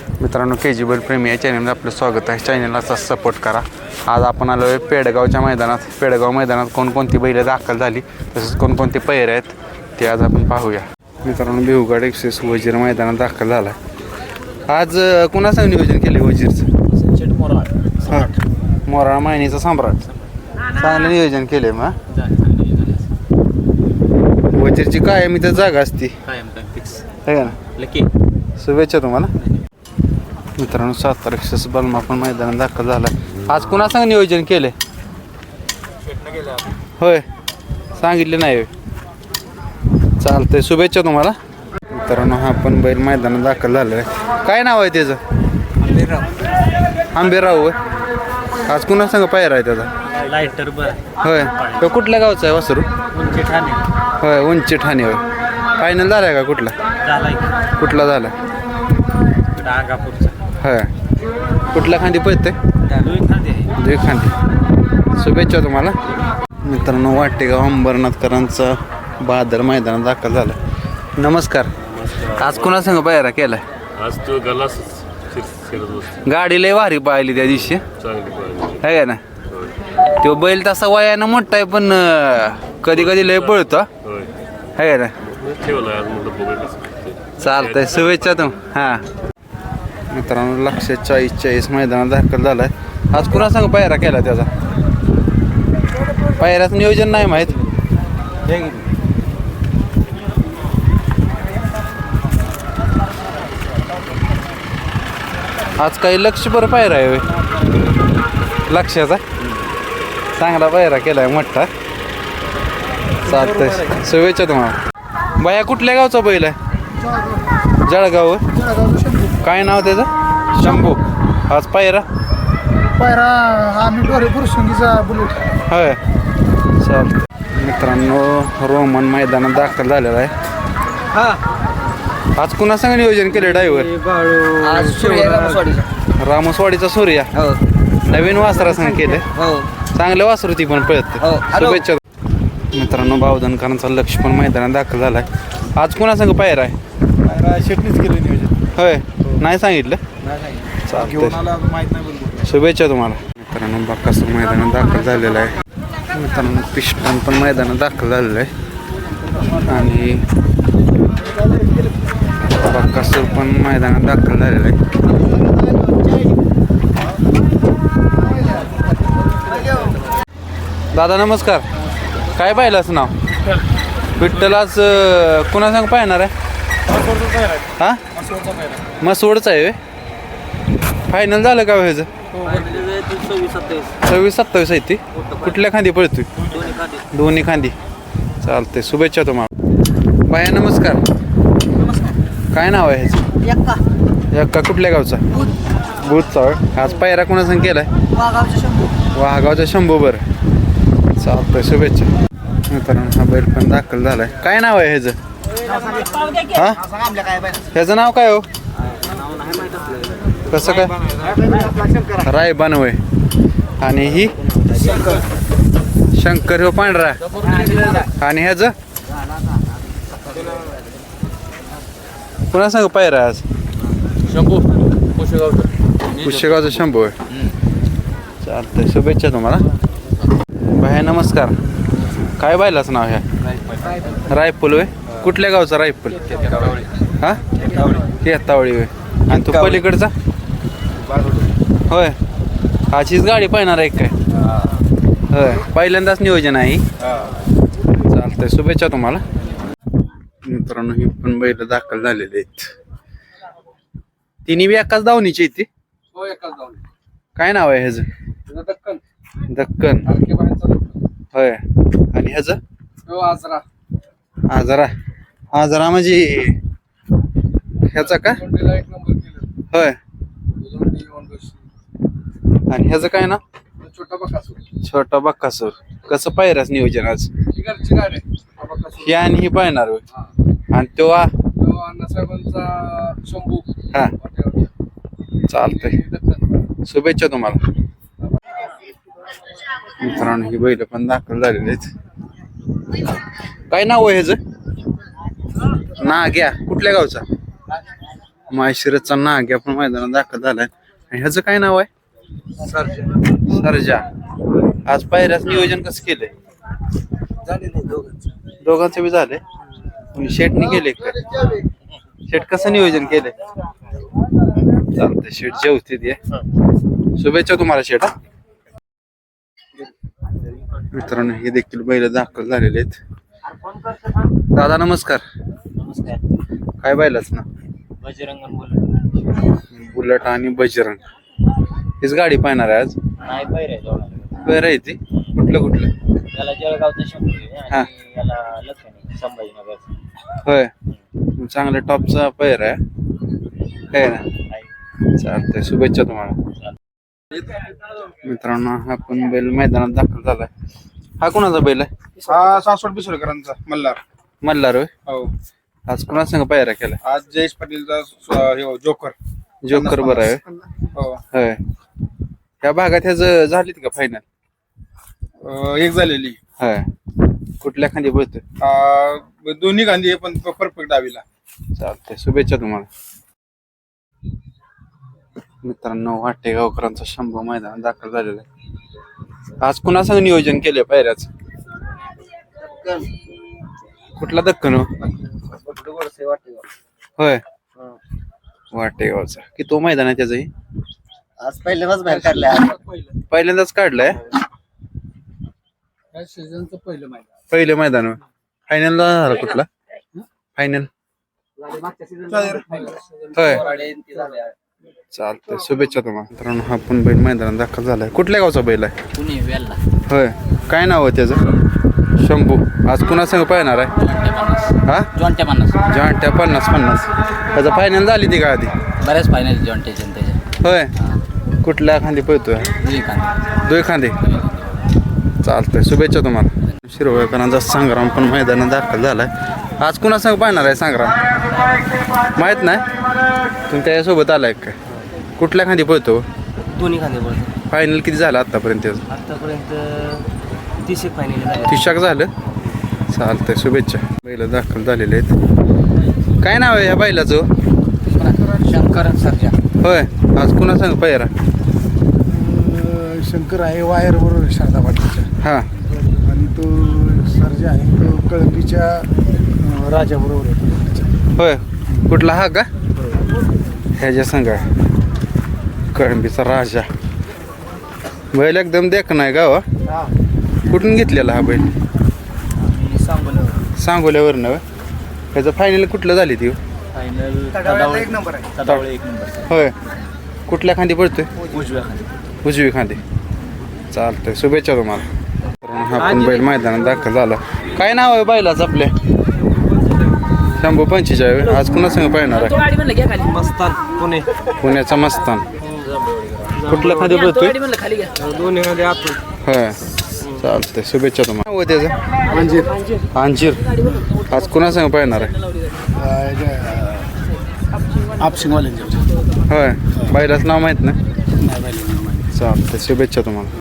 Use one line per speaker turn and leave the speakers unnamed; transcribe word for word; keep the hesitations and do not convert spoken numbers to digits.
मित्रांनो के जी बैल प्रेमी या चॅनलमध्ये आपलं स्वागत आहे. चॅनलला सपोर्ट करा. आज आपण आलो आहे पेडगावच्या मैदानात. पेडगाव मैदानात कोणकोणती बैलं दाखल झाली तसेच कोणकोणते पैर आहेत ते आज आपण पाहूया. मित्रांनो भिवगाड एक्सेस वजीर मैदानात दाखल झाला. आज कुणाचं नियोजन केले वजीरचं? हां मोराळा मायनीचा सम्राट. चांगलं नियोजन केले मग. वजीरची कायम इथं जागा असती आहे का ना. शुभेच्छा तुम्हाला. मित्रांनो सातारा एक्सेस बलमा पण मैदानात दाखल झाला. आज कुणासंग नियोजन केले? होय सांगितले नाही. चालतंय शुभेच्छा तुम्हाला. मित्रांनो हा पण बैल मैदानात दाखल झालेला आहे. काय नाव आहे त्याचं? आंबेराव होय. आज कुणासंग पायरा आहे त्याचा?
लायटर
होय. तो कुठल्या गावचा आहे वासरू?
उंची ठाणे.
होय उंची ठाणे होय. फायनल झाला आहे का? कुठला कुठला झाला?
डांगापूरचा.
होय. कुठल्या खांदी पळते? दुई खांदी. शुभेच्छा तुम्हाला. मित्रांनो वाटेगाव अंबरनाथकरांचा बहादर मैदानात दाखल झाला. नमस्कार. आज कुणासंग पायरा केलाय?
आज तो गलास
गाडी लय भारी पाहिली त्या दिवशी आहे का ना. तो बैल तसा वयानं मोठा आहे पण कधी कधी लय पळतो आहे का ना. चालतंय शुभेच्छा तुम. हां मित्रांनो लक्षात चाळीस चाळीस मैदानात दाखल झालाय. आज कुणासंग पायरा केला त्याचा? पायऱ्याचं नियोजन नाही माहीत. आज काही लक्ष बरं पायरा आहे लक्षाचा. चांगला पायरा केलाय मोठा. चालतंय शुभेच्छा तुम्हाला. बाया कुठल्या गावचा बैल आहे? जळगाव. काय नाव त्याचं? शंभू. आज पायरा
पायरा आम्ही डोरे पुरुषंगीचा बुलेट.
होय चालतं. मित्रांनो रोमन मैदानात दाखल झालेला आहे. आज कुणासंग नियोजन केले ड्रायव्हर? रामसवाडीचा सूर्या. नवीन वासरासंग केले. चांगले वासरू ती पण पळत. शुभेच्छा. मित्रांनो बावधनकरांचा लक्ष पण मैदानात दाखल झालाय. आज कुणासंग पायरा आहे?
शेटणीच केलं नियोजन.
होय नाही सांगितलं. शुभेच्छा तुम्हाला. मित्रांनो बक्कासूर मैदानात दाखल झालेला आहे. मित्रांनो पिस्टन पण मैदानात दाखल झालेलं आहे आणि बक्कासूर पण मैदानात दाखल झालेलं आहे. दादा नमस्कार. काय पाहिलाच नाव? विठ्ठल. आज कुणासंग पाहणार आहे? हां मसवडचं आहे. फायनल झालं का ह्याचं? सव्वीस सत्तावीस आहे ती. कुठल्या खांदी पळतोय? दोन्ही खांदी. चालते शुभेच्छा तुम्हाला. बाया नमस्कार. काय नाव आहे ह्याचं? यक्का. कुठल्या गावचा? बुधचा. आज पायरा कोणासंग केलाय? वाघावचा शंभू. बरं चालतंय शुभेच्छा. मित्रांनो हा बैल पण दाखल झालाय. काय नाव आहे ह्याचं? हा ह्याचं नाव काय हो? कसं काय? राय बनवय. आणि ही शंकर हो पांढरा. आणि ह्याचं कुणासंग पायरा आज?
शंभू
पुष्यगावचा शंभू आहे. चालतंय शुभेच्छा तुम्हाला. भाई नमस्कार. काय बायलाचं नाव ह्या? रायफल होय. कुठल्या गावचा रायफल? हां केतावळी होय. आणि तू पलीकडचा? होय. अशीच गाडी पाहणार आहे काय? होय पहिल्यांदाच नियोजन आहे. चालतंय शुभेच्छा तुम्हाला. मित्रांनो ही पण बैल दाखल झालेले आहेत. तिन्ही बी एकाच दावणीची ती. काय नाव आहे ह्याचं?
दक्कन.
दक्कन होय. आणि ह्याचं?
आजरा.
आजरा. आजरा म्हणजे ह्याचा का? होय. आणि ह्याचं काय ना?
छोटा बकासूर.
छोटा बक्कासूर. कसं पायराच नियोजन आज?
घरची गाडी.
ही आणि ही पाहणार होय. आणि तो
अण्णासाहेबांचा शंभू.
हा चालतंय शुभेच्छा तुम्हाला. मित्रांनो ही बैल पण दाखल झालेले आहेत. काय नाव आहे ह्याचं? नाग्या. कुठल्या गावचा? माहेशिरसचा नाग्या पण मैदानात दाखल झालाय. आणि ह्याचं काय नाव आहे? सरजा. आज पायऱ्याच नियोजन कसं केलंय? दोघांचं बी झालंय. शेटने केले काय? शेट कसं नियोजन केलंय? चालतंय शेट जेवते ते. शुभेच्छा तुम्हाला शेट. हा मित्रांनो हे देखील बैल दाखल झालेले आहेत. दादा नमस्कार.
नमस्कार.
काय बैलाच ना?
बजरंग बुलेट.
बुलेट आणि बजरंग हीच गाडी पाहणार आहे आज.
नाही पैर आहे
बरं आहे ती. कुठलं कुठलं?
त्याला जळगावचं शंभू आहे
हा.
आणि याला लखन आहे संभाजीनगर.
होय चांगल्या टॉपचा पैर आहे काय ना. चालतंय शुभेच्छा तुम्हाला. मित्रांनो आपण बैल मैदानात दाखल झालाय. हा कोणाचा बैल आहे?
हा सासवड बिसोडकरांचा मल्हार.
मल्हार होय.
हो
आज कोणा संग पायरा केला?
आज जयेश पाटीलचा स्व- हे हो, जोकर.
जोकर बरं आहे
हो
होय. ह्या भागात ह्याच झालीत का फायनल?
अं, एक झालेली.
होय. कुठल्या खांदी बोलतोय?
अं, दोन्ही गांधी आहे पण परफेक्ट डावीला.
चालतंय शुभेच्छा तुम्हाला. मित्रांनो वाटेगावकरांचा शंभू मैदान दाखल झालेला आहे. आज कुणा संग नियोजन केलंय पायऱ्याच? कुठला दक्कन हो? होय वाटेगावचा. की तो मैदान आहे त्याचंही?
आज पहिल्यांदाच बाहेर काढलाय.
पहिल्यांदाच काढलाय.
सीझनचं पहिलं मैदान.
पहिलं मैदान फायनल झाला कुठला? फायनल होय. चालतंय शुभेच्छा तुम्हाला. मित्रांनो हा पण बैल मैदानात दाखल झालाय. कुठल्या गावचा बैल आहे?
पुणे वेल्ला.
होय. काय नाव आहे त्याचं? शंभू. आज कुणा संग पाहणार आहे? हा
जॉन्टे पन्नास.
जॉन्ट्या पन्नास पन्नास त्याचं फायनल झाली ती का आधी?
बऱ्याच फायनल जॉन्टेचे त्याच्या.
होय. कुठल्या खांदी पळतोय? दोय खांदे. चालतंय शुभेच्छा तुम्हाला. शिरोळकरांचा संग्राम पण मैदानात दाखल झालाय. आज कुणा संग पाहणार आहे संग्राम? माहित नाही. तुम्ही त्याच्यासोबत आलाय काय? कुठल्या खांदी पळतो?
दोन्ही खांदे बोलतो.
फायनल किती झालं आतापर्यंत त्याचं?
आतापर्यंत तीस एक फायनल झाले.
तिशाक झालं. चालतंय शुभेच्छा. बैल दाखल झालेले आहेत. काय नाव आहे ह्या बैलाचं?
शंकर सरजा.
होय. आज कुणा संग पायरा?
शंकर आहे वायर बरोबर शारदा पाटीलच्या.
हा
आणि तो सर्जा आहे तो कळंबीच्या अं, राजाबरोबर आहे.
होय. कुठला हा का? ह्याच्या संग आहे. कळंबीचा राजा. बैल एकदम देख नाही गाव. कुठून घेतलेला हा बैल? सांगोल्यावरनं होय. ह्याचं फायनल कुठलं झाली ती?
फायनल
एक नंबर आहे.
तडावळे एक नंबर.
होय. कुठल्या खांदी पडतोय?
उजव्या खांदी.
उजवी खांदी. चालतंय शुभेच्छा तुम्हाला. तर हा पण बैल मैदानात दाखल झाला. काय नाव आहे बैलाचं आपल्या? शंभू पंचेचाळीस. आज कुणा संग पाहणार आहे?
मस्तान पुणे.
पुण्याचा मस्तान. कुठल्या खांदी पडतोय?
दोन्ही खांदे आपण.
होय. चालतंय शुभेच्छा तुम्हाला. नाव आहे त्याचं? अंजीर. अंजीर. आज कुणा संग पाहणार आहे?
आपशिंगवाल्यांच्या.
होय. बैलाचं नाव माहित नाही. चालतंय शुभेच्छा तुम्हाला.